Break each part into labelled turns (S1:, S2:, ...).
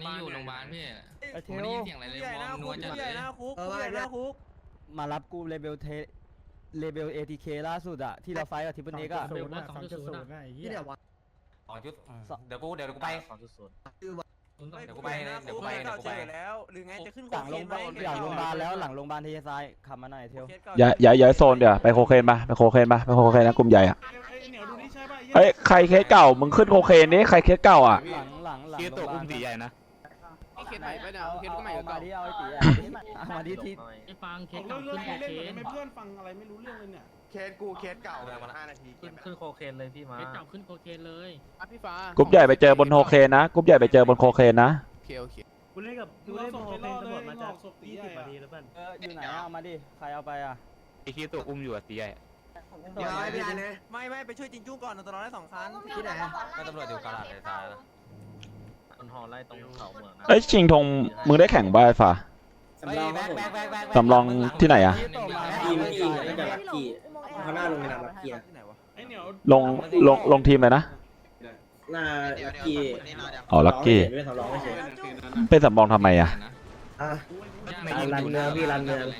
S1: อยู่โรงพยาบาลพี่
S2: ไอ้เท
S1: ผม
S2: ล
S1: ได้ยินเสียงอะไรเลยมองนัวจัดเลย
S2: มารับกูเลเบล ATK ล่าสุดอะที่เราไฟกับทิปเปิลเน็กอะ
S3: 2.0ที่เดี๋ยววะ
S4: เดี๋ยวกูไปเดี๋ยวกูไป
S5: แล้วหรือไงจะขึ้น
S2: หลังโรงพยาบาลหลังโรงพยาบาลแล้วหลังโรงพยาบาลเทซายขับมาหน่อยเทล
S6: อย่าโซนเดี๋ยวไปโคเคนมาไปโคเคนนะกลุ่มใหญ่อะเฮ้ยใครเคสเก่ามึงขึ้นโคเคนนี่ใครเคสเก่าอ่ะ
S2: หลังโรงพยาบาล
S6: อุ้มสีใหญ่นะ
S1: เคสใหม่ไปเนี่ยเคสก็ใหม่
S2: เอามาดิเอาไอ้ตีเอามาดิที่
S3: ไอ้ฟังเคสเก่าขึ้นโคเคน
S7: เพื่อนฟังอะไรไม่รู้เรื่องเลยเนี่ย
S5: เคสเก่า5 นาที
S3: ขึ้นโคเคนเลยพี่มาเคสเก่าขึ้นโคเคนเลยพี่ฟ้าก
S6: ลุ่มใหญ่ไปเจอบนโคเคนนะกลุ่มใหญ่ไปเจอบนโคเคนนะ
S1: โอเค
S7: กูเล่นโคเคนตำรวจมาจาก20 นาทีแล้วเพื่อน
S2: อยู่ไหนเอามาดิใครเอาไปอะ
S6: ไอ้คีตัวอุ้มอยู่อ่ะสีใหญ่
S5: เดี๋ยวไปพี่เลยไม่ไปช่วยจิงจุ้งก่อนตอนนั้นได้2 คันที่ไหน
S4: ก็ตำรวจอยู่กาลาดเลยตายแล้ว
S3: คนหอไล่ตรงเขาเมืองนะ
S6: เอ้ยชิงธงมึงได้แข่งบ้าไอ้ฝ่า
S4: แบ็ค
S6: สำรองที่ไหนอ่ะ
S2: ทีมไม่ได้รับกี่
S5: ข้างหน้าลงในน้ำรับเกียร์
S7: ไอ้เหนียว
S6: ลงทีมเลยนะ
S5: หน้ากี่
S6: อ๋อลักกี้
S5: ไม่ทำร้องไม่เฉย
S6: เป็นสำรองทำไมอ่ะ
S5: รันเมืองพี่รันเมือง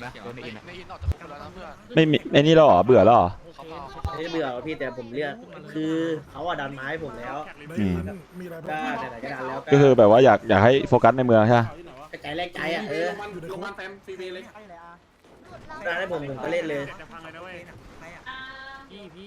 S6: ไม่มีไอ้นี่แล้วเหรอเบื่อแล้วเหรอ
S5: ไม่เบื่อพี่แต่ผมเลือกคือเขาดันไม้ผมแล้ว
S6: อืม
S5: ก็ไหนๆก็ดันแล้ว
S6: ก็คือแบบว่าอยากให้โฟกัสในเมืองใช่ไหม
S5: ใจแรกใจอ่ะลงมาแฟมฟรีเลยดันให้ผมก็เล่นเลย
S7: จะพังเลยนะเว้ย
S3: พี่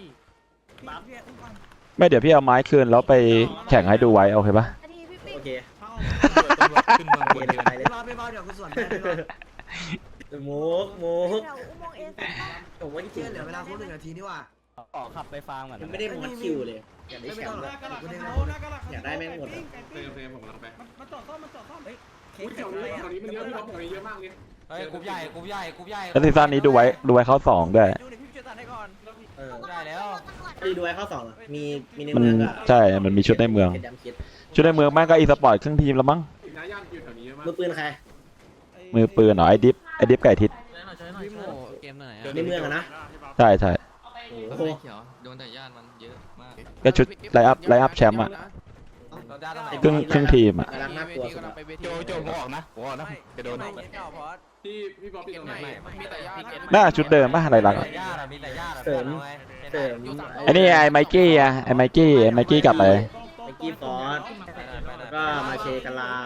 S6: ไม่เดี๋ยวพี่เอาไม้คืนแล้วไปแข่งให้ดูไว้โอเคปะ
S5: โอเค
S6: ขึ้นเมืองบน
S5: ไปเลยไม่เดี๋ยวคุณส่วนมุกผมว่าจริงเหลือเวลาครบ1 นาทีนี่ว่า
S2: ออกขับไปฟาร์มก่อน
S5: ยังไม่ได้มดคิวเลยอยากได้แชมป์อยากได้แม่งหมด
S7: มาจอดซ่อม
S5: เคสเก่าเลย
S7: ตอนนี้มันเยอะพี่บอกเยอะมากเลย
S4: เฮ้ยกลุ่มใหญ่
S6: แล้วซีซั่นนี้ดูไว้เข้า2ด้วย
S4: ได้แล้ว
S5: ดูไว้ข้อ2มีใน
S6: มัน
S5: เมืองอะ
S6: ใช่มันมีชุดในเมือง ชุดในเมืองแม่งก็อีสปอร์ตครึ่งทีมแล้วมั้ง
S7: น้าย่านอยู่แถวนี้เยอะมาก
S5: มือปืนใคร
S6: มือปืนเหรอไอ้ดิฟไก่ทิศ
S1: พี่โมเกมไหน
S5: ในเมืองอะนะ
S6: ใช่
S5: โอ้โห
S1: เขียวโดนแต่ญาติมันเยอะมาก
S6: ก็ชุดไลอัพแชมป์อ่ะครึ่งทีมอ่ะ
S5: กำลังน่ากลัวสุด
S4: โจงออกนะจะโดน
S7: ที่พี่บ๊อบพี่ตรงไหน
S1: มีแต่ญาติ
S6: น่าชุดเดิมป่ะอะไรหลัง
S4: มีแต่ญาติ
S5: เสริม
S6: ไอ้นี่ไอ้ไมกี้อ่ะไอ้ไมกี้กลับไป
S5: ไมกี้ฟอสก็มาเชกาลา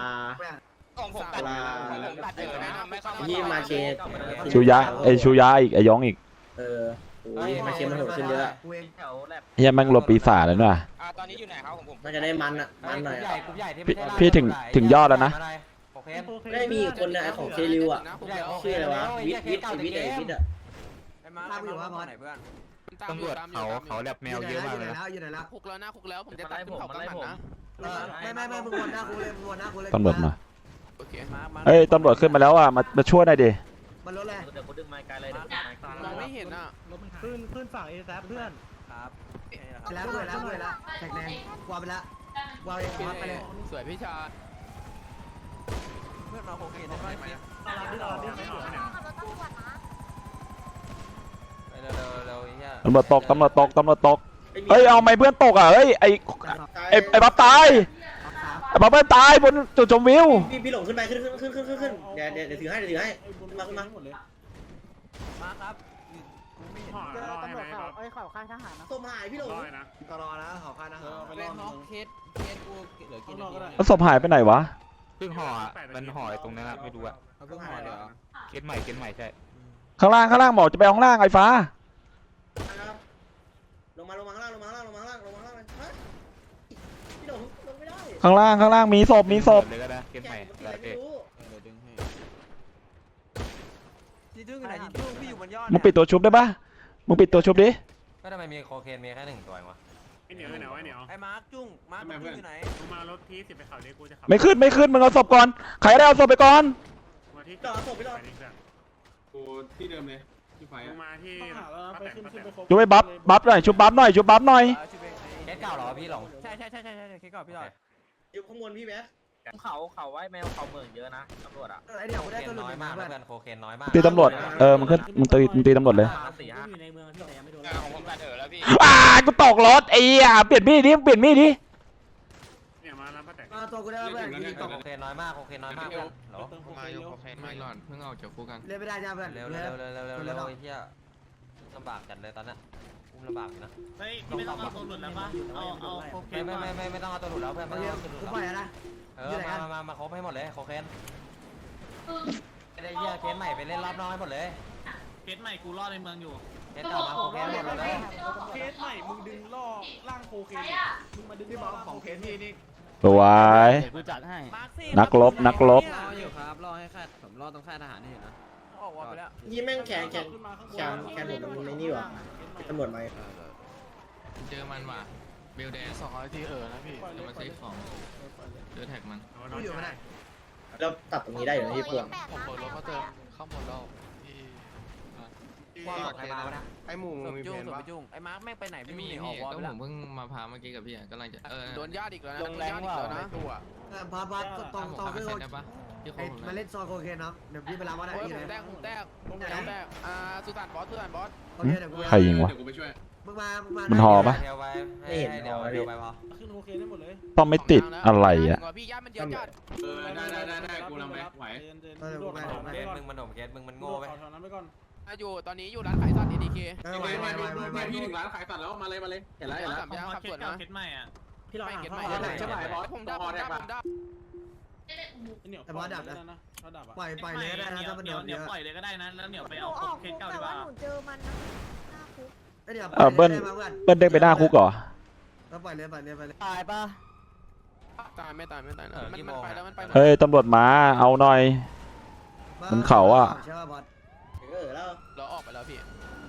S5: ยี่มาเช
S6: ชูยะอีกไอ้ยองอีก
S5: โอ้ยมาเชมันโหดขึ้นเยอะ
S6: เฮียแม่งรวมปีศาจแล้วน่ะ
S1: ตอนนี้อยู่ไหนครับของผม
S5: น่าจะได้มันหน่อย
S6: พี่ถึงยอดแล้วนะ
S5: ได้มีอีกคนนะของเคลิวอ่ะชื่ออะไรวะวิทอ่ะ
S1: ไอ้มาอยู่ว่าไหนเพื่อน
S4: ตำรวจเขาแลบแมวเยอะมากเลยนะ
S5: อยู่ไหนแล้ว
S1: คุกแล้วผมจะตัดขึ้นเขากำหนักนะ
S5: ไม่มึงวนหน้ากูเลย
S6: ตำรวจมา
S1: โอเค
S6: เอ้ยตำรวจขึ้นมาแล้วอ่ะมาช่วยหน่อยดิ
S5: มันรถแรง
S3: เดี๋ยวกูดึงไม้ไกลเลยเดี๋ยว
S1: มองไม่เห็นอ่ะ
S7: ขึ้นฝั่งเอแซเพื่อน
S5: ครับแล้วแท็กแดงวางไปแล้ววางไปเลย
S1: สวยพี่ชา
S5: เพื่อนมาโอเคได้ไหม
S6: ตำรวจตกเฮ้ยเอาไม่เพื่อนตกอ่ะเฮ้ยไอ้บับตายไอ้บับเพื่อนตายบนจุดชมวิว
S5: พี่หลงขึ้นไปขึ้นเดี๋ยวถือให้มาครับ
S7: ห่อรอให้ไหมครับ
S3: เขาข้างทหารนะ
S5: ส้มหายพี่หลง
S7: รอนะ
S5: ก็รอนะขอค่านะ
S7: ไปรอน้อง
S1: เคสกูเหลือกี่นาที
S6: แล้วศพหายไปไหนวะ
S4: เพิ่งห่อมันห่อตรงนั้นไม่รู้อะ
S1: เขาเพิ่งหายเลยเหรอ
S4: เคสใหม่ใช่
S6: ข้างล่างหมอจะไปข้างล่างไอ้ฟ้า
S5: ลงมาข้างล่างพี่หลงลงไม่ได้
S6: ข้างล่างมีศพ
S4: เลยก็ได้เคสใหม่
S5: เดี๋ยวดึงให้ที่ดึงไหนที่ดึงพี่อยู่บนยอด
S6: มึงปิดตัวชุบได้ปะมึงปิดตัวชุบดิ
S4: ก็ทำไมมีโคเคนมีแค่1 ตัวเองวะ
S7: ไอ้เหนียว
S5: ไอ้มาร์คจุ้งอยู่ไหน
S7: มึงมารถที่10ไปเขาดิกูจะขับ
S6: ไม่ขึ้นมึงเอาศพก่อนใครได้เอาศพไปก่อน
S7: มาที่
S5: ต่อศพพี่หลง
S7: กูที่เดิมเลยที่ไฟมาที่
S6: ชุบไปบัฟหน่อยชุบบัฟหน่อย
S4: เคสเก่าเหรอพี่หลง
S5: ใช่เคก่อนพี่หลงอยู่ข้างบนพี่แบ๊
S3: เขาไว้แมวเขาเมืองเยอะนะตำรวจอ่ะ
S5: ไอ้เดี๋ยว
S4: โค
S5: ได้
S4: เคน
S5: ตัวหลุด
S4: น้อย
S5: มาม
S4: าก
S5: เพื่อน
S4: เพื่อนโคเคนน้อยมาก
S6: ตีตำรวจมึงตีตำรวจเลย
S3: อยู่ในเมืองที่ไหนยังไม่โดน
S1: ของผมตัดแล้วพี่
S6: กูตกรถไอ้เปลี่ยนมีดดิ
S7: เนี่ยมาแล้วป้าแตก
S5: ตัวกูได้เพื่อนยิงตก
S4: โอเคน้อยมากโอเคน้อยมากเพื่อนเหรอ
S1: มาอยู่โอเคไม่หลอนเพิ่งออกจากคุกกัน
S5: เล่นไม่ได้จ้าเพื่อน
S4: เร็วเร็วเร็วเร็วเร็วเร็วไอ้เหี้ยลำบากจัดเลยตอนนั้นอุ้มลำบากอยู่นะ
S3: ไม่ต้องเอาตัวหลุดแล้วปะเอาโอเค
S4: ไม่ต้องเอาตัวหลุดแล้วเพื่อนไม่ต้องเอาตัวหลุด
S5: กู
S4: แล้ว
S5: ปล่อยแล้วนะ
S4: มาครบให้หมดเลยโคเคนไม่ได้เหี้ยเคสใหม่ไปเล่นรอบนอกให้หมดเลย
S3: เคสใหม่กูรอดในเมืองอยู่
S4: เคสเก่ามาโคเคนหมดเลย
S7: เคสใหม่มึงดึงล่อร่างโคเคนมึงมาดึง
S1: พี่บอกของเคสพี่นี่
S6: สวย
S2: เดี๋ยวกูจัดให้
S6: นักรบนักรบ
S1: รออยู่ครับรอให้ค่ายผมรอตรงค่ายทหารนี่นะออกวอไปแล้ว
S7: ยี่แม่งแขนผมในนี่วะตำรวจมา
S1: เจอมันว่ะเบลแดง200ทีนะพี่จะมาซื้อของเจอแท็กมัน
S5: กูอยู่ไม่ได้
S7: แล้วตัดตรงนี้ได้อยู่นะพี่พวง
S1: ผมเปิดรถเขาเติมเข้าหมดแล้วพี่
S4: ว่าใครมาวะนะ
S1: ไอ้หมูมีเพนปะไอ้มาร์คแม่งไปไหนไม่มีออกวอลไปแล้วผมเพิ่งมาพาเมื่อกี้กับพี่กำลังจะโดนญาติอีกแล้วนะ
S2: ลงแรงว่า
S1: ตัว
S5: พัดตองขึ้น
S1: ได้ปะที่
S5: มาเล่นซอยโคเคนเนาะเดี๋ยวพี่ไปรับว่าได้
S1: โอ้ย
S5: ที่
S1: ผ
S5: ไหน
S1: มแตกสุสานบอส
S5: โอเคเดี๋ยวกู
S6: ใครยิงวะ
S5: มึงมา
S6: มันหอปะ
S4: เดี๋ยวไปเดี๋ยวไปพอ
S7: ขึ้นโคเคนได้หมดเลย
S6: ต้องไม่ติดอะไรอ่ะ
S1: พี่ญาติมันเยอะจัด
S7: ได้กูนำไปไหวโดด
S4: เคสมึงมันโดนเคสมึงมันโง่ไป
S7: แถวนั้นไปก่อน
S1: อยู่ตอนนี้อยู่ร้านขายสัตว์ ADK
S5: พี่ถึงร้าน
S1: เห็นแล้วสามย่างขับสวนนะ
S3: เคสใหม่อ่ะ
S7: พี่เรา
S1: ไม่
S7: หา
S1: เก็ต
S7: เข้า
S1: ใหม่ใช่ไหมบอสผมได้
S7: เนี่ยถ้าดับอ่ะ
S5: ปล่อยเลยได้นะถ้ามัน
S3: เหนี
S5: เดื
S3: ย
S5: อ
S3: ว
S5: ด
S3: ปล่อยเลยก็ได้นะแล้วเหนียวไป
S8: หนู
S3: เอา
S8: ออก
S3: เค
S8: คุ
S3: ส
S8: ก
S3: เก่า
S8: แต่
S3: ดีก
S8: ว่า
S3: ว่า
S8: หนูเจอมันนะหน้าคุก
S5: เดี๋ยว
S6: เบิ้ลเด้งไปหน้าคุกเหรอ
S5: แล้วปล่อยเลย
S2: ตายปะ
S1: ตายไม่ตายมันไปแล้วมันไป
S6: เฮ้ยตำรวจมาเอาหน่อย มันเขาอะ
S5: ใช่ป่ะบอส
S7: แล้ว
S1: เราออกไปแล้วพี่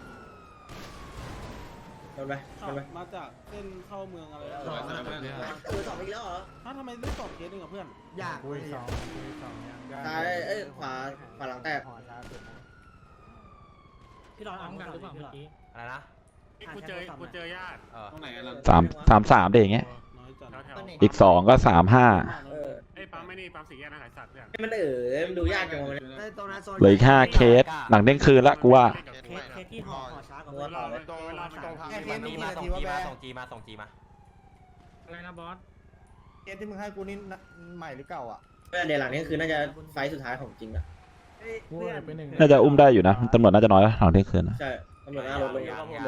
S7: โดนไปมาจากเส้นเข้าเมืองอะไร
S5: สองอีกแล้วเหรอ
S7: ทำไมไม่2เคสนึงกับเพื่อน
S5: ยาก
S7: ซ้ายขวาหลังแตก
S3: พี่รอนเอากันหรือเปล่าเมื่อกี้
S4: อะไรนะ
S3: กูเจอญาติ
S7: ตรงไหนกัน
S6: 3 เด็กอย่างเงี้ย
S7: น้อยจัด
S6: อีก2ก็35
S3: ไอ้ปั๊มไม่นี่ปั๊มสี่แยกนะขายสัตว์เนี่ย
S7: มันมันดูยากจังวะ
S5: ตรงนั้นโซน
S6: เหลืออีก5เคสหลังเด้งคืนละกูว่า
S3: เคสที่ห่อช้ากว่า
S7: ตัวต่อเลย
S3: ตรงเวลามันตรงทาง
S4: ส่งจีมา
S3: อะไรนะบอส
S9: เกมที่มึงให้กูนี่ใหม่หรือเก่าอ่ะ
S7: เดี๋ยวหลังนี้คือน่าจะไฟสุดท้ายของจริงอ่ะ
S6: น่าจะอุ้มได้อยู่นะตำรวจน่าจะน้อยแล้วหลังเด้งคืนนะ
S7: ใช่ตำรวจหน้ารถลง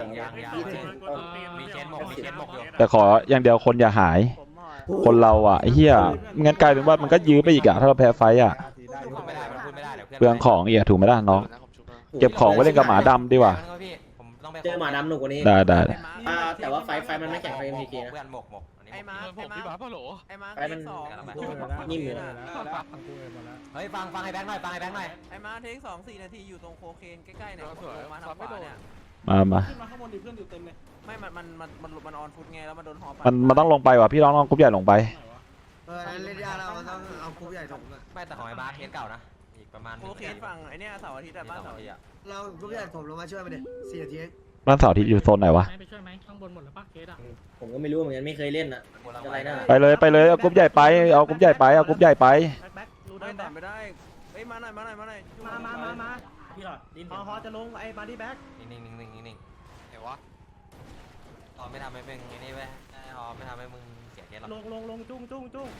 S4: มีเคสหมกอยู่
S6: แต่ขออย่างเดียวคนอย่าหาย คนเราอ่ะไอ้เหี้ยไม่งั้นกลายเป็นว่ามันก็ยื้อไปอีกอะถ้าเราแพ้ไฟอ่ะ
S4: ไม่ได้พูดไม่ได้เดี๋ยว
S6: เปลืองของอีกอะถูกไหมล่ะน้องเก็บของไว้เล่นกับหมาดำดีกว่า
S7: เจอหมาดำหนุกกว่านี้
S6: ได้
S7: แต่ว่าไฟมันไม่แข็งไฟ MPK นะ
S4: เพื่อนหมก
S1: ไอ้มาผมพี่บ้าเปล่าโหลไอ้มา
S7: ไฟมัน
S9: นิ่มอยู่
S4: เฮ้ยฟังไอ้แบงค์หน่อย
S1: ไอ้มาเทค2-4 นาทีอยู่ตรงโคเคนใกล้ๆเนี่ยมาทางขวาเนี่ย
S6: มา
S7: ขึ้นมาข้างบนดิเพื่อนอยู่เต็มเลย
S1: ไม่มันออนฟุตไงแล้วมันโดนหอ
S6: มันต้องลงไปว่ะพี่น้องกรุ๊ปใหญ่ลงไป
S5: เล่นยาเรามันต้องเอาคุกใหญ่ถมอ่ะ
S4: ไม่แต่ของไอ้บาร์เคสเก่านะอีกประมาณ
S1: โคเคนฝั่งไอ้เนี่ยเสาร์อาทิตย์บ้านเสาร์อาทิตย์
S5: เราคุกใหญ่ถมลงมาช่วยมันดิ4 นาที
S6: บ้านเสาร์อาทิตย์อยู่โซนไหนวะ
S3: ไปช่วยไหมข้างบนหมดแล้วป่ะเคสอ่ะ
S7: ผมก็ไม่รู้เหมือนกันไม่เคยเล่นอ่ะ
S6: ไปเลยเอากรุ๊ปใหญ่ไปเอากรุ๊ปใหญ่ไปเอากรุ๊ปใหญ่ไป
S3: แบ็ครู้
S1: ได้
S3: ได้
S1: แต่ไม่ได้เฮ้ยมาหน่อย
S3: มาพี่หลอดดินฮอจะลงไอ้บาร์ดี้แบ็ค
S4: นิ่ง
S1: ไหนวะ
S4: ตอนไม่ทำให้มึงไอ้นี่เว้ยไม่ทำให้มึงเสียเคสหรอก
S3: ลงจุ้ง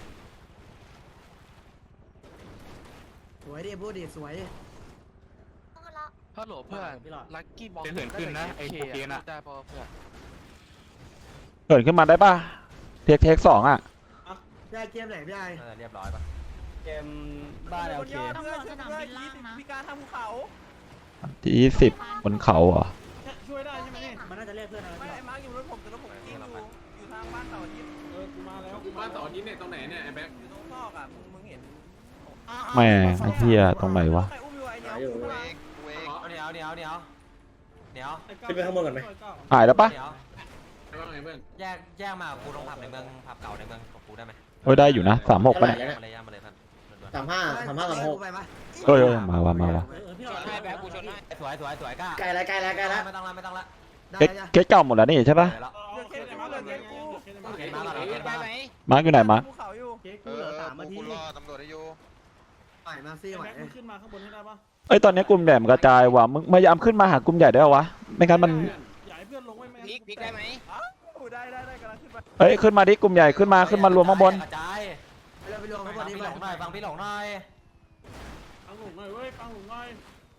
S5: สวยดิพูดดิสวย
S1: ฮัลโหลเพื่อนลักกี้บอล
S9: จะเหินขึ้นนะไอ้โคเคนอะ
S1: ได้พอเพื่อน
S6: เกิดขึ้นมาได้ป่ะเทค2อ่ะ
S5: พี่ไอเกมไหนพี่ไอ
S4: เรียบร้อยป่ะ
S2: เกมบ้านโอเค
S1: พิการทางภูเขา
S6: ที่20บนเขาเหรอ
S7: ช่วยได้ใช่ไหมนี่
S3: มันน่าจะเรียกเพื่อนอะไร
S1: ไม่ไอ้มาร์กอยู่รถผมแต่รถผมกิ้งอยู่ทางบ้านเสาร์อาทิตย์
S7: กูมาแล้ว
S9: บ้านต่อที่เนี่ยตรงไหนเนี่ยไอ้แบ็ค
S1: อยู่ตรงซอกอ่ะมึงเห็น
S6: แม่ไอ้เหี้ยตรงไหนวะ
S1: ใครอุ้มอยู่ไอ้เนี่ย
S4: เดี๋ยว
S7: ขึ้นไปข้างบนก่อนไหม
S6: หายแล้วป่ะ
S9: ว่าไงเพื่อน
S4: แยกมากูลงผับในเมืองผับเก่าในเมืองกับกูได้ไหม
S6: โอ้ยได้อยู่นะ36ป่ะเนี่ย
S4: มาเลยเพื่อน
S5: ไปปะ
S6: เอ้ยมาว่ะ
S3: พี่หลอดให้แบ็คกูชนให้
S4: สวยกล้า
S7: ใกล้แล้ว
S4: ไม่ต้องละ
S5: ได้
S6: เก๊กเก่าหมดแล้วนี่ใช่ป่ะ มาร์กอยู่ไหนมาร์ก
S1: ภูเขาอยู่
S7: เก๊กูเหลือ3 นาที
S5: ไหวมาซี่ไหว
S7: แบ็คมึงขึ้นมาข้างบนให้ได้ปะ
S6: เอ้ยตอนนี้กลุ่มใหญ่มันกระจายว่ะมึงพยายามขึ้นมาหากลุ่มใหญ่ได้วะไม่งั้นมัน
S7: อยากให้เพื่อนลงไว้แม่
S1: พลิกได้ไหมได้กำลังขึ้นมา
S6: เอ้ยขึ้นมาดิกลุ่มใหญ่ขึ้นมารวมข้างบน
S4: กระจาย
S5: รวมเขาบ
S4: ฟั
S5: อง ก
S4: พี่
S5: นี่
S4: หลงหน่อยฟังพี่หลงหน่อย
S7: ปังหลุมหน่อยเว้ยปังหลุมหน่อย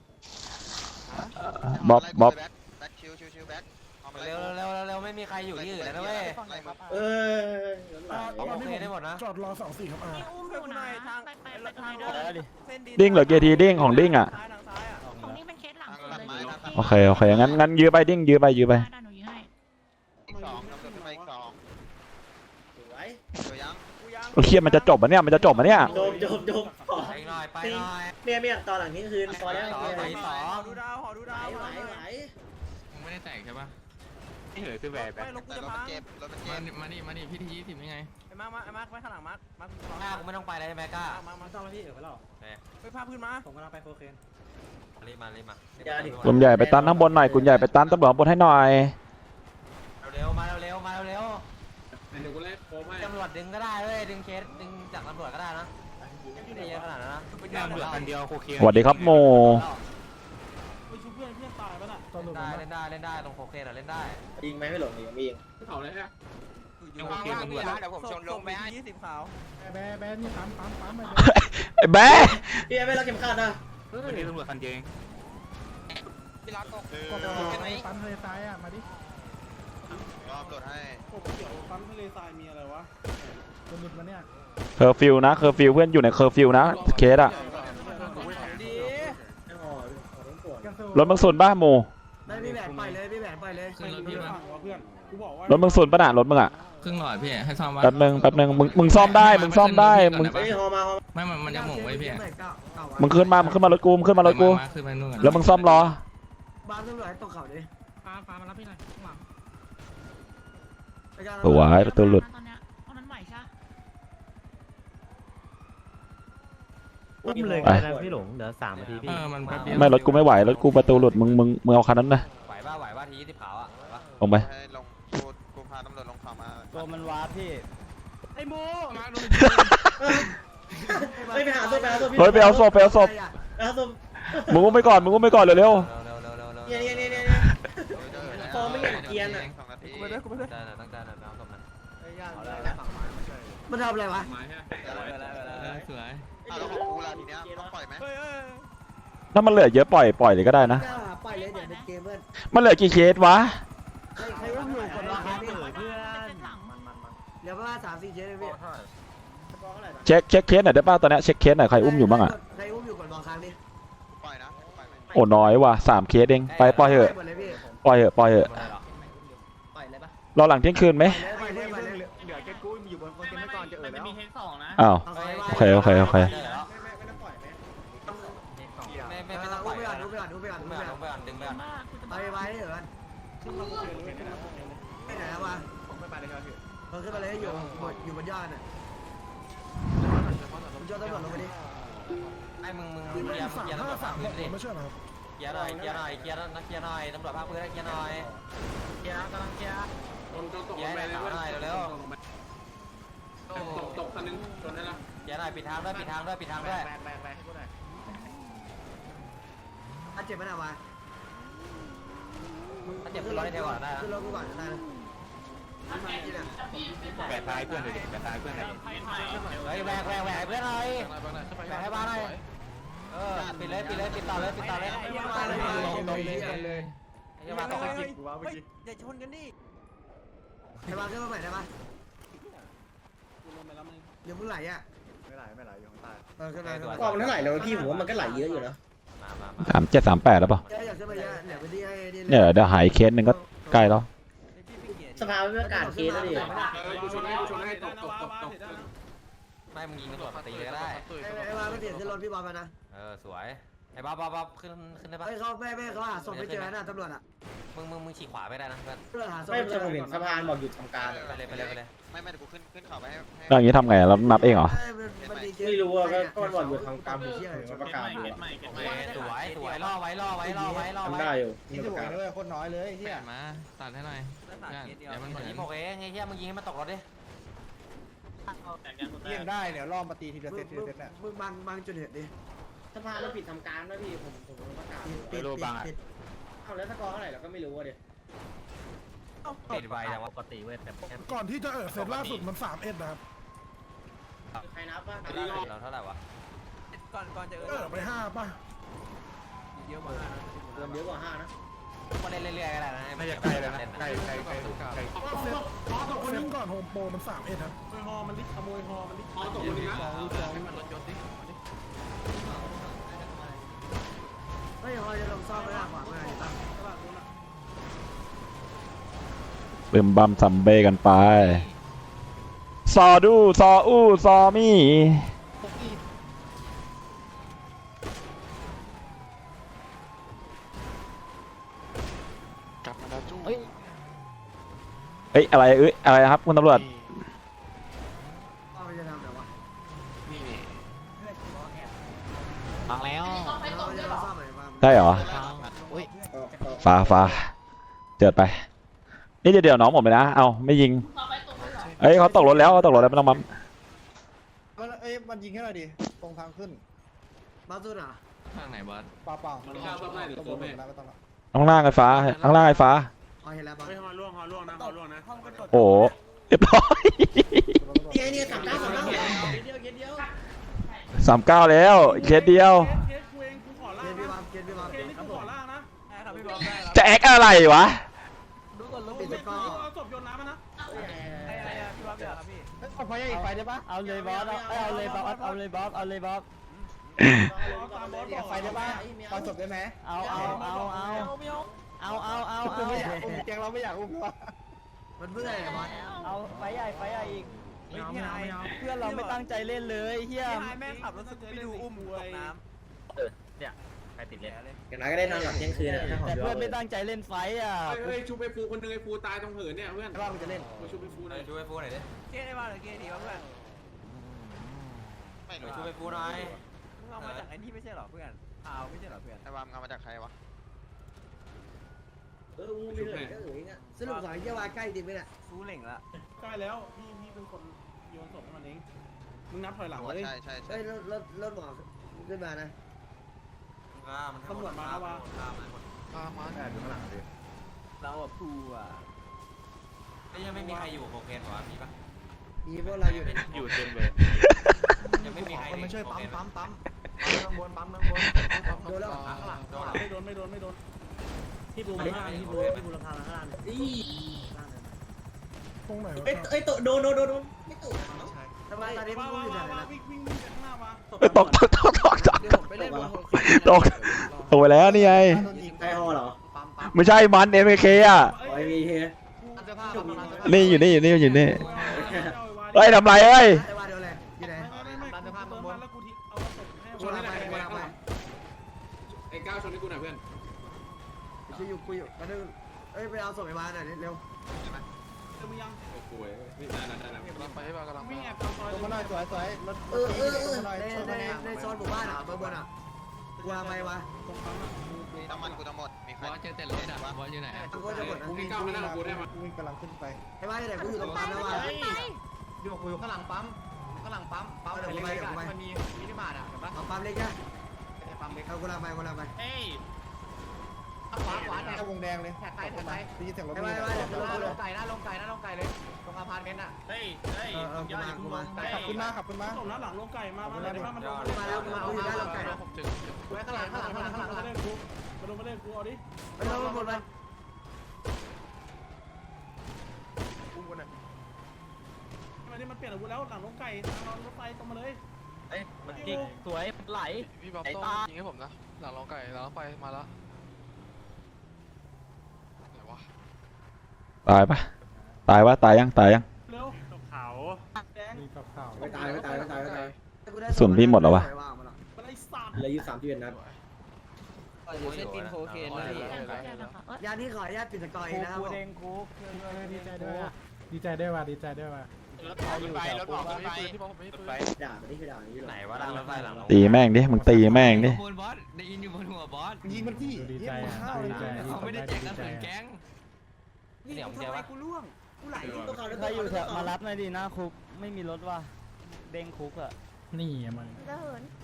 S6: บ๊อบบ๊อบ
S4: เร็วเร็วเร็วไม่มีใครอยู่ที่อื่นแล้วนะเว้ย โอเคได้หมดนะ
S8: มีอุ้มอยู่นะไปตรงไหนเด้อ
S6: ดิ้งเหรอเกทีดิ้งของดิ้งอ่ะ
S8: ของนี่เป็นเคสหลังสุดเลย
S6: โอเคโอเคงั้นยื้อไปดิ้งยื้อไปยื้อไป
S8: ได้หนูยื้อให้
S6: โอ้เคียมันจะจบอ่ะเนี่ยมันจะจบอ่ะเนี่ย
S5: จบ
S4: ไปหน่อยไปหน่อย
S5: เมียตอนหลังนี้คืนพอแล้ว
S4: ไปสอง
S5: ดูดาวไหว
S1: มึงไม่ได้แตกใช่ปะ
S9: นี่เหลือคือแหวนแบบ
S1: มานี่พี่ที่20นี่ไง
S4: หน้ากูไม่ต้องไปเลยใช่ไหมก้า รีบมา
S6: กลุ่มใหญ่ไปตันข้างบนหน่อยกลุ่มใหญ่ไปตันตำรวจข้างบนให้หน่อย
S4: เร็วมาเร็วมาเร็ว
S9: เดี๋ยวกูเล่นโค้งให้
S4: ตำรวจดึงก็ได้เว้ยดึงเคสดึงจากตำรวจก็ได้นะไม่ได้เยอะขนาดนั้นนะ
S9: เหลือคันเดียวโคเคน
S6: สวัสดีครับโม
S7: ไปชุบเพื่อนตายปะน่ะ
S4: เล่นได้ตรงโคเคนเล่นได้
S5: ยิงไหมไม่หลงยิงไม่ยิง
S9: เขาเลยฮะ
S4: โคเคนตำรวจ
S10: เดี๋ยวผมชนลงไปให้
S7: แบนี่ปั๊มไป
S6: ไอ้แบ๊
S5: พี่ไม่รักเข็มขัดนะ
S9: วันนี้ตำรวจคันเดียวเอง
S10: พี่รักตก
S7: ปั๊มทะเลทรายอ่ะมาดิ
S10: รอบตรวจให้
S7: ผมเกี่ยวปั๊มทะเลทรายมีอะไรวะคนหลุดมาเนี่ย
S6: เคอร์ฟิวนะเคอร์ฟิวเพื่อนอยู่ในเคอร์ฟิวนะเคสอะรถมึงสุนป่ะโม
S5: ไม่พี่แหวนไปเลยพี่แหวนไปเลย
S1: ขึ้นรถพี่มา
S7: เพื่อนกูบอกว่าร
S6: ถมึงสุนป่ะน่ะรถมึงอะ
S1: ครึ่งหลอดพี่ให้ซ่อมวะ
S6: แป๊บนึงมึงซ่อมได้มึงซ่อมได้มึง
S5: เฮ้ยฮอมา
S1: ไม่มันจะหม่งไว้พี่
S6: มึงขึ้นมารถกูมึงขึ้นมารถกู
S1: ขึ้นไปนู่น
S6: แล้วมึงซ่อมล้อ
S5: บ้านตำรวจตกเขาดิ
S3: ฟ้ามารับพี่หน่อยข้างหลัง
S6: สวยประตูหลุด
S8: ตอนเนี้ยตอนนั้นไหวใช่
S7: อุ้มเลยนะพี่หลงเดี๋ยว3 นาทีพี่
S1: มันแป๊บเดียว
S6: ไม่รถกูไม่ไหวรถกูประตูหลุดมึงเอาคันนั้นนะ
S4: ไหวป่ะที20ขาวอ่ะ
S6: ลงไป
S10: ให้ลงกูพาตำรวจลงเขามา
S2: ตัวมันวาร์ปพี่
S7: ไอ้โม
S5: ไปหาศพ
S6: เฮ้ยไปเอาศพ
S5: เอาศพ
S6: มึงอุ้มไปก่อนเร็ว
S4: เร็ว
S5: เนี่ยฟอร์ไม่เห็นเกียร์น่ะ
S10: 2 นาที
S4: ตั้งใจนะน้ำศพนะ
S5: มันทำอะไรวะ
S9: ไม้ฮะ
S1: สวย
S10: แล้วของกูล่ะทีเนี้ยต้องปล่อยไหม
S6: ถ้ามันเหลือเยอะปล่อยเลยก็ได้นะ
S5: ปล่อยเลยเดี๋ยวในเกมเพื่อน
S6: มันเหลือกี่เคสวะ
S5: ใครว่าอยู่คนละครับ
S8: เพื่อนหลัง
S5: เดี๋ยวว่า3-4เคสเลยพี่
S6: เช็คเคสหน่อยได้ป่ะตอนนี้เช็คเคสหน่อยใครอุ้มอยู่บ้างอะ
S5: ใครอุ้มอยู่ก่อนรอครั้งนี้
S10: ปล่อยนะปล่อยไหม
S6: โอ้น้อยว่ะ3เคสเองไปปล่อยเถอะ
S5: หมดเลยพี่
S6: ปล่อยเถอะ
S5: ปล่อยเลยปะ
S6: รอหลังเที่ยงคืนไหม
S5: ปล่อยเลยปล่อยเลย
S7: เดี๋ยวแกกูอยู่บนคนไม่ก่อนจะเออแล้ว
S3: มีเฮด2นะ
S6: อ้าว โอเค
S5: ไม่ต้องปล่อยไหม
S4: ไม่ต้องปล่อยอุ้มไปก่อนดึงไปก่อน
S8: มากคุณจะ
S5: ไปไปเหรอไม่ไหนแล้ววะขึ้นไปเลยอยู่บนยอดน่ะคุณยอดตำรวจลงไปดิ
S4: ไอ้มึงเกียร์ตำรวจภาคพื้นดิเกียร์หน่อยตำรวจภาคพื้นเกียร์หน่อย
S9: ตกลงไปเลยตกคันนึงชนได้ละ
S4: เกียร์หน่อยปิดทางด้วย
S5: ถ้าเจ็บไม่น่าวะ
S4: ถ้าเจ็บขึ้นรถได้เท่าก่อนได้นะ
S5: ขึ้นรถกูก่อนได้นะ
S9: แปะท้ายเพื่อนเลยแปะท้ายเพื่อนเลย
S4: เฮ้ยแหวกเพื่อนหน่อยแหวกให้บ้านหน่อยปิดต่อเลย อย่ามาตกไปจิบกูว่าเมื่อกี้
S5: อย่าชนกันดิไอ้บ้าขึ้นมาใหม่ได้ปะเดี๋ยวมึงไหลอ่ะไม่ไหลอยู่ข้างใต้ขึ้นมา
S4: ความมันเท่าไหร่แล้วพี่ผมว่ามันก็ไหลเยอะอยู่นะ
S6: 3738แล้วป่ะ
S5: อยากขึ้นมาเยอะเดี๋ยวไปที่ให้ดี
S6: เนี่ยเดี๋ยวหายเคสหนึ่งก็ใกล้แล้ว
S5: สภาไม่ประกาศเคสแล้วดิ
S9: กูชนให้ตก
S4: ไม่มึงยิงตำรวจตีเลยก็ได้
S5: ไอ้บ้าไม่เสียขึ้นรถพี่บอลมานะ
S4: สวยไอ้บ๊อบขึ้นได้ปะ
S5: ไอ้เขาไม่เขาหาศพไม่เจอนะตำรวจอ่ะ
S4: มึงฉีกขวาไม่ได้นะเพื่อน
S5: เพื่อหาศพไม่เจอผมเห็นสะพานบอกอยู่
S4: ไปเลย
S10: ไม่เดี๋ยวกูขึ้นเขาไปให้
S6: แล้วอย่างนี้ทำไงเรานับเองเหรอ
S5: ไม่รู้อ่ะก็มันบอกอยู่ทางการเชี่ยประกาศ
S4: สวยล่อไว้ได้อยู่
S2: นี่ถูกเลยโคตรน้อยเลยเฮีย
S1: มาตัดให้หน่อยเดี๋ยวมัน
S4: ยิงโอเคไอ้เหี้ยมึงยิงให้มันตกรถดิ
S2: เยี่ยงได้เดี๋ยวล่อมาตีทีละเซตน่ะ
S5: มึงบังจุดเหตุดิ
S7: สภาเราปิดทำการด้วยพี่ผมประกาศ
S5: ปิด
S7: เอาแล้วสกอร์เท่าไหร่เราก็ไม่รู้อ่ะดิ
S4: ปิดไวแต่ว่า
S3: ปกติเว้ยแต่
S8: ก่อนที่จะเซตล่าสุดมัน3-1นะครับ
S3: ใครนับบ้าง
S4: เราเท่าไหร่วะ
S5: ก่อนจะไป5ป่ะเยอะกว่า5นะเติมเยอะกว่า5นะ
S4: มาเล่นเรื่อยๆก็ได้นะ
S9: ไม่จะใกล้แล้วนะใกล้ใกล้
S5: เซฟก่อนโฮมโปรมัน3เอ็ดครับฮอมันลิขโมยฮอมันลิฮอตกคนนี้นะ
S1: ให้มันรถยนต์ดิ
S5: ไม่ฮอจะลงซ่อมไม่ได้กว่าเมื่อไหร่ตั้ง
S6: บึมบัมซัมเบกันไปซอดูซออู้ซอมี่
S1: กลับมาแล้วจู้
S6: เอ้ยอะไรอะไรครับคุณตำรวจ
S5: เอาไปจะทำแบบว่า
S1: นี่นี่
S3: ฟังแล้ว
S5: เราจะลงซ่อมไหนบ้าง
S6: ได้เหรอ
S3: อุ้ย
S6: ฟ้าเจิดไป นี่เดี๋ยวน้องผมไปนะ เอาไม่ยิงเอ้ยเขาตกรถแล้วไม่ต้องปั๊ม
S7: เอ้ยมันยิงแค่ไหนดิตรงทางขึ้น
S5: บ้าสุดอ่ะ
S1: ทางไหนบอส
S7: เปล่า
S9: มันข้าวต้มได้หรือ
S7: ตำร
S9: ต้
S7: ว
S9: ม
S7: จ
S9: แม่
S7: แล้วก็ต้อง
S6: ข้างล่างไฟฟ้าข้างล่างไฟฟ้า
S5: เอาเห็นแล้วบ้า
S9: เฮ้ยฮอล่วงนะฮอล่วงนะ
S6: โอ้โหเรียบร้อย
S5: เนี่ย39เดียว
S6: 39แล้วเคสเดียว
S5: เกียร์พี่บอมเกียร์พี่บอมครับผม
S6: จะแอคอะไรวะ
S5: ปิดตะกร้อ
S2: เอาไฟอีกไฟได้ปะเอาเลยบอสเอาเลยบอสเอาเลยบอสเอาเลยบอสไฟได้ปะ
S7: ตอนจบได้ไหม
S2: เอา
S7: แกงเราไม่อยากอุ้ม
S5: มันเพื่ออะไรบอส
S2: เอาไฟใหญ่อีกเพื่อนเราไม่ตั้งใจเล่นเลยเฮีย
S4: แม่ขับรถสกูปไปดูอุ้มตกน้ำ
S3: ใครติดเล่น
S5: อย่างน้อยก็ได้นอนหลับเที่ยงคืนอ่ะ
S2: แต่เพื่อนไม่ตั้งใจเล่นไฟอ่ะ
S9: เฮ้ยชูไปฟูคนนึงไอ้ฟูตายตรงเหินเนี่ยเพื่อน
S5: ว่ามันจะเล่น
S9: ชูไปฟูหน่อย
S4: ช่วยฟูหน่อยดิเก้ได้บ้างหรือเก้ดีวะเพื่อน
S10: ไม่รู้
S4: ช่วยฟูหน่อยมึงเอามาจากไอ้นี่ไม่ใช่หรอเพื่อนเอาไม่ใช่หรอเพื่อน
S10: ไอ้วามเอามาจากใครวะ
S5: มึงไม่เลยก็เงี้ยสรุปสายเยี่ยวาใกล้จริงไหมเนี่ย
S4: ฟูเหล่งละ
S7: ใกล้แล้วพี่เป็นคนโยนศพให้มันเองมึงนับถอยหลัง
S10: ใช่
S7: เลย
S10: ใช่
S5: เฮ้ยรถหมอขึ้นมานะ
S7: ตำรวจมาแล้ววะ
S4: เราอ่ะฟูอ่ะยังไม่มีใครอยู่โคเคนหรอมีปะ
S5: มีพวกเราอยู่
S1: อยู่เต็มเลย
S4: ยังไม่มีใครมาช่วยปั๊มข้างบน
S5: โดนแล้ว
S7: ไม่โดนที่บูมข้างที่บูมราคาข้างล่างตรงไหนวะ
S5: เอ้ยโดนไม่ตกทำไมตอนนี้มึงอยู่ไหนนะ
S7: วิ่งข้างหน้ามา
S6: ตก
S5: เดี๋ยวผมไปเล่นบนหัว
S6: ตกไปแล้วนี่ไง
S5: ไอฮอเหรอ
S6: ไม่ใช่มัน MK อ่ะ
S5: ไอวีเฮ
S6: นี่อยู่นี่เฮ้ยทำไรเอ้ย
S5: ไอวาเดียวเลยอยู่ไหน
S7: ร้านเสื้อผ้าบนแล้วกูทิ้งเอาศพให้
S5: กูรับไป
S9: ไอ้ก้าวชนให้กูหน่อยเพื่อน
S5: กูอยู่มาดูเอ้ยไปเอาศพไอวาหน่อยเร็ว
S7: มึงยัง
S9: โอ้โหได้
S1: กำลังไปให้บ้ากำลัง
S7: วิ่งแอบตามซอย
S2: ลงมาหน่อยสวยรถ
S5: ในโซนหมู่บ้านอ่ะเบอร์บนอ่ะกูวางไปวะ
S7: ตรงปั๊มอ่ะ
S10: น้ำมันกูจะหมดมีใคร
S1: บอสเจอแต่รถอ่ะบอสอยู่ไหนอ่ะ
S5: กูก็จะหมดนะ
S9: ไอ้ก้าวมานั่งกับกูได้มา
S7: วิ่งกำลังขึ้นไป
S5: ไอ้วาที่ไหนกูอยู่ตรงปั๊มแล้ววะ
S4: ดูกูอยู่ข้างหลังปั๊มเล็กๆมันมีมินิมาร์ทอ่ะเห็นปะ
S5: เอาปั๊มเล็กนะ
S4: ปั๊มเล็ก
S5: เอากูลาไป
S3: เอ้ย
S4: ขวาเนี่ย
S7: วงแดงเลย
S4: แท็กไป
S7: ได้ยินเสียงรถ
S5: ไอ้วา
S4: ลงไก่นะลงไก่เลยตรงอพาร์ตเมนต์อ่ะ
S3: เฮ้ย
S5: กูมา
S7: ขับขึ้นมาตรงนั้นหลังลงไก่มาเลยมาลง
S5: มาแล้วกูอยู่ด้านหลังไก่
S1: ผมถึง
S4: ไว้ข้างหลัง
S7: มาเล่นกูมาเล่นกูเอาดิ
S5: ไปลงหมดไป
S7: มาดิมันเปลี่ยนอาวุธแล้วหลังลงไก่ทางเรารถไฟตรงมาเลย
S3: เอ้ยมันจิกสวยไหล
S1: พี่บ๊อบต้องยิงให้ผมนะหลังลองไก่หลังไปมาแล้วไหนวะ
S6: ตายปะตายยัง
S7: เร็ว
S3: เขา
S7: แดง
S2: มีกับข่าว
S5: ไม่ตาย
S7: มันไอ้สัตว์
S5: เหลืออยู่3 นัด
S4: เส้นกินโคเคนเลย
S5: ยาที่ขออนุญาตปิดสกอร์อีกนะครับ
S2: กูเด้งกู
S7: ดีใจด้วยว่ะ
S3: รถเขาอยู่แถวปุ๊บ
S1: ไม่ปืนที่บอกผมไม่ปืน
S5: ด่านี่คือด่านี้หรอ
S4: ไหนวะรถไฟหลัง
S6: ตีแม่งดิมึงตีแม่งดิ
S1: บนบอสได้ยินอยู่บนหัวบอส
S7: ยิงมันที่ดีใจอ่ะดีใจ
S1: เขาไม่ได้แจกกระสุนแก๊ง
S4: นี่ทำไมกูล่วง
S5: กูไหลตัวเขา
S2: ใครอยู่แถวมารับหน่อยดิหน้าคุกไม่มีรถว่ะเด้งคุกอ่ะ
S7: นี่มัน
S8: จะเหิน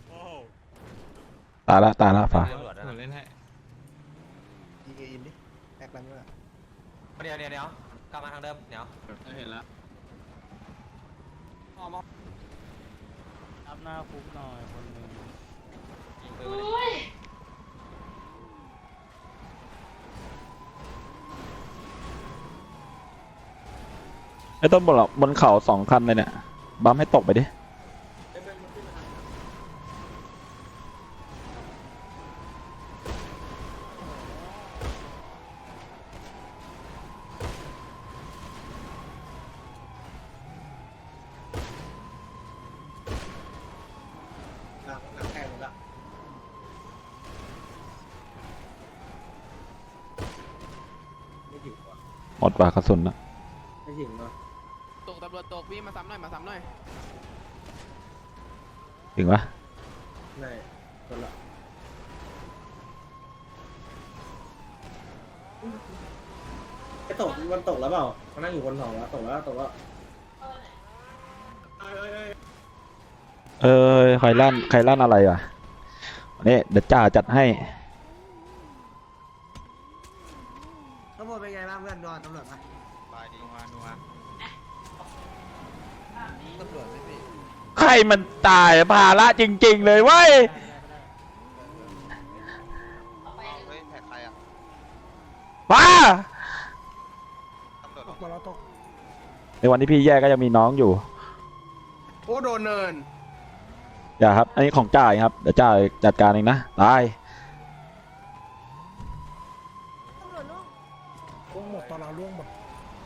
S6: ตายละฟ้า
S1: ผมเล่นให้
S7: ยิงอินดิแอคแรงด้วย
S4: เดี๋ยวกลับมาทางเดิมเดี๋ยว
S9: เห็นแล้ว
S2: รับหน้าคุกหน่อยคนหนึ่ง
S6: ไอ้ต้นบนเขา2 คันเลยเนี่ยบัมให้ตกไปดิหมดว่ะกระสุนนะ
S5: ไม่ถึงเนาะ
S1: ตกตำรวจตกพี่มาซ้ำหน่อยมาซ้ำหน่อย
S6: ถึงปะ
S5: ไม่คนละไอ้ตกมันตกแล้วเปล่ามันนั่งอยู่บนเขาแล้วตกแล้วตกแล้ว
S6: ใครลั่นอะไรอ่ะนี่เดี๋ยวจ่าจัดให้
S5: ข้างบนเป็นไงบ้างเพื่อนนอนตำรวจปะ
S10: บายดี
S6: ใครมันตายภาระจริงๆเลยเว้ย
S10: เฮ้ยแท็กใครอ่ะ
S6: ป้า
S10: ตำรวจ
S5: ตกแล้วตก
S6: ในวันที่พี่แย่ก็ยังมีน้องอยู่
S4: โอ้โดนเนิน
S6: อย่าครับอันนี้ของจ่ายครับเดี๋ยวจ่ายจัดการเองนะตาย
S5: ล่วงหมดตอนเราล่วงหมด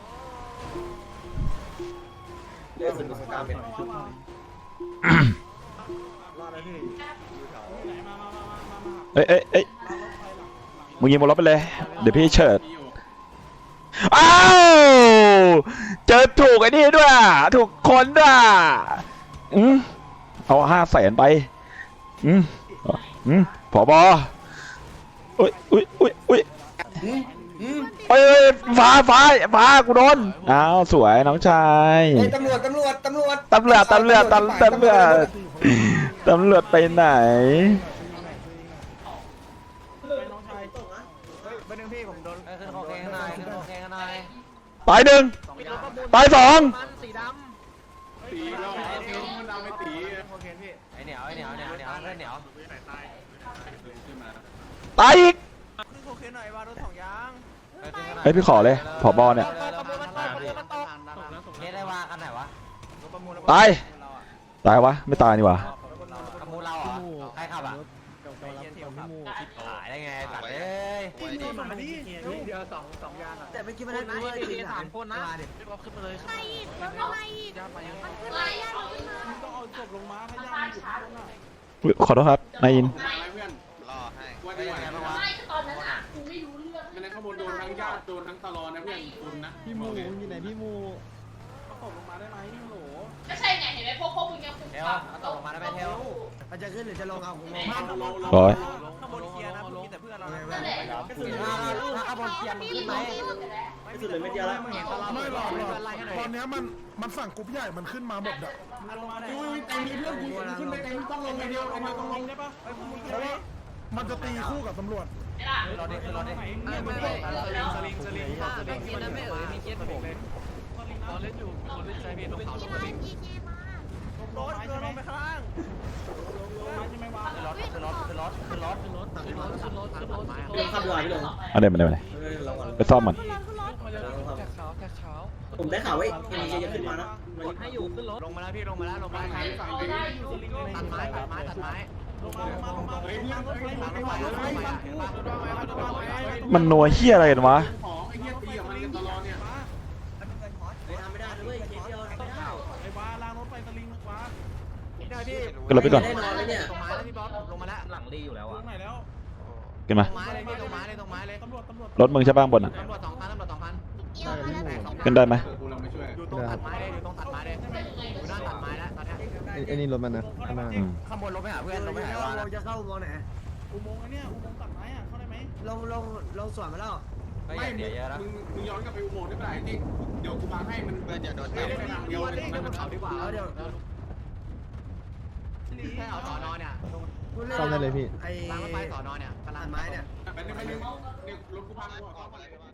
S5: เรียกสุดสกาเป็นชุดรอดแล้วพี่
S6: เอ้ยมึงยิงบนรถไปเลยเดี๋ยวพี่เฉิด
S9: มีอยู่
S6: อ้าวเจอถูกไอ้นี่ด้วยถูกคนด้วยเอา500,000ไปผบอุ้ยเอ้ยฟ้ากูโดนอ้าวสวยน้องชาย
S5: ตำรวจ
S6: ไปไหน
S4: ขึ้นโอเคข้างในขึ้นโอเคข้างใน
S6: ตาย1ตาย2
S9: ตีเรามันดำไม่ตี
S4: ไอเหนียวเพื่อนเหนียว
S9: ขึ้นมา
S6: ตายอีก
S4: ขึ้นโอเคหน่อยวารุส2ยาง
S6: เฮ้ยพี่ขอเลยผบเนี่ย
S4: เนี่ยได้ว่ากันไหนวะ
S6: ตายวะไม่ตายนี่หวะ
S4: ประมูลเราเหรอใครขับอ่ะขายได้ไงตัดเอ้ย
S2: เดียวสองยางอ่ะแต่เมื่อกี้มันได้รู้ว่าที3 คนนะขึ้นมาเลย
S8: ใครอีกแล้วทำไมอีกมันขึ้นมาย่าขึ้นมา
S7: ต้องเอาศพลงมาถ้าย่าอยู่ข้างบนอ่ะ
S6: อุ๊ยขอโทษครับนายอิน
S9: อะไรเพื่อน
S10: รอให้
S9: ว่าดีกว่า
S8: ไม่ตอนนั้นอ่ะกูไม่รู้เรื่อง
S9: ไม่นั้นข้างบนโดนทั้งญาติโดนทั้งตลอดนะเพื่อนคุณนะ
S2: พี่มูอยู่ไหนพี่มู
S7: เอาศพลงมาได้ไหมฮัลโหล
S8: ก็ใช่ไงเห็นไหมพวกมึงยังคุม
S4: เทลเอาตกลงมาได้ไหมเทล
S5: มันจะขึ้นหรือจะลงเอาผมลง
S6: ร้อย
S4: ข้างบนเคลียร์นะมีแต่เพื่อนเรา
S8: นั่นแหละ
S4: ถ้าข้างบนเคลียร์มันขึ้นไหม
S5: ไม่สุดเลยไม่เดียวแล้ว
S4: ไม่หรอก
S11: ตอนนี้มันฝั่งกรุ๊ปใหญ่มันขึ้นมาหมดอ่ะ
S7: ลงมาได้
S9: อุ้ยแต่มีเพื่อนกูขึ้นไปแต่ต้องลงไปเดียวไอ้มาต้องลง
S7: ได้ปะไอ้พวกมึง
S11: เพราะว่ามันจะตีคู่กับตำรวจ
S4: รอดิขึ้นรอดิ
S1: สลิงไม่เอ๋ยมีเคสผมตอนเล่นอยู่คนเล่นใจเบียนลงเขาลงสลิง
S7: ลงไม้ใช่ไหมไปข้างล่างลงไม้ใช่ไหมวะ
S4: ขึ้นรถ
S5: เรื่องขับลอยพี่ลง
S6: มาเลยไปซ่อมมัน
S5: ผมได้ข่าวว่าเอ็มจะขึ้นมานะ
S2: ให้อยู่ขึ้นรถ
S4: ลงมาแล้วพี่ลงมาแล้วตัดไม้
S7: ลงมา
S9: เฮ้ยเพื่อนเฮ้ย
S6: มันนัวเฮียอะไรกันวะ
S9: ของไอ้เหี้ยตีกับมันกันตลอดเนี่ย
S5: ทำไม่ได้ด้วยเคสเดียวทำไม่ได้
S7: ไอ้บ้าล้างรถไปสลิงว้า
S6: ขึ้นรถไปก่อน
S5: ได้นอนไหมเนี่ย
S4: ตรงไม้แล้วพี่บอสลงมาแล้วหลังรีอยู่แล้ว
S7: ตร
S4: อ่ะ
S7: งไหนแล้ว
S6: ขึ้นมา
S4: ตรงไม้เลยพี่ตรงไม้เลย
S7: ตำรวจ
S6: รถมึงใช่ป่ะข้างบนอ่ะ
S4: ตำรวจ2 คัน
S6: ขึ้นได้ไหม
S9: กูลองไปช่วย
S4: อยู่ตรงตัดไม้เลยอยู่หน้าตัดไม้แล้วตอนนี้
S2: ไอ้นี่รถมันนะข้างหน้า
S4: ข้างบนลงไปหาเพื่อนลงไปหา
S5: เราจะเข้าอุโมงค์ไหน
S7: อุโมงค์ไอ้เนี่ยอุโมงค์ตัดไม้อ่ะเข้าได้ไหม
S5: ลงสวนมาแล้ว
S4: ไม่เดี๋ยวเยอะแล้ว
S9: มึงย้อนกลับไปอุโมงค์ได้เมื่อไหร่ที่เดี๋ยวกูบังให้มัน
S10: เพื่อนอย่าโดน
S9: ไม่
S10: จับ
S9: ได้ทางเดียวเลยมัน
S4: เอาดีกว่า
S5: เดี๋ยว
S4: แค่เอาสอนอเนี่ย
S2: ซ่อมได้เลยพี่
S5: ไอ้
S4: ล้างรถไฟสอนอเนี่ยกำลัง
S5: ไม้เนี่ย
S9: ไปนึงเนี่ยรถกูพังกูออก